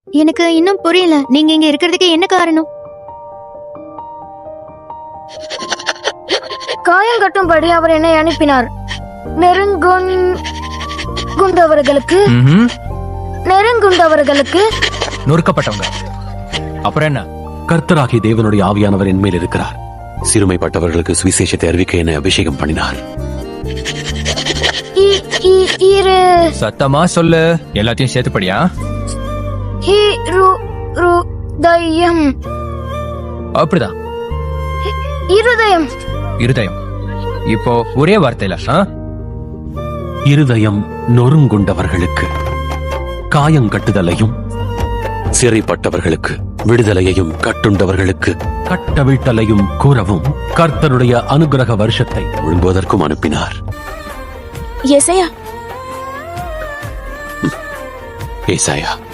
எனக்கு இன்னும் புரியல, நீங்க இங்க இருக்கிறதுக்கு என்ன காரணம்? காயம் கட்டும்படி அவர் என்னை அனுப்பினார். நெருங்குண்டவர்களுக்கு நொறுக்கப்பட்டவங்க. அப்புறம் என்ன? கர்த்தராகிய தேவனுடைய ஆவியானவர் என் மேல் இருக்கிறார். சிறுமைப்பட்டவர்களுக்கு சுவிசேஷத்தை அறிவிக்க என்னை அபிஷேகம் பண்ணினார். சத்தமா சொல்லு, எல்லாத்தையும் சேர்த்துப்படியா? அப்படிதான், இருதயம். இப்போ ஒரே வார்த்தையில இருதயம் நொறுங்குண்டவர்களுக்கு காயங்கட்டுதலையும், சிறைப்பட்டவர்களுக்கு விடுதலையையும், கட்டுண்டவர்களுக்கு கட்டவிழ்த்தலையும் கூறவும் கர்த்தருடைய அனுகிரக வருஷத்தை விழுங்குவதற்கும் அனுப்பினார். ஏசாயா ஏசாயா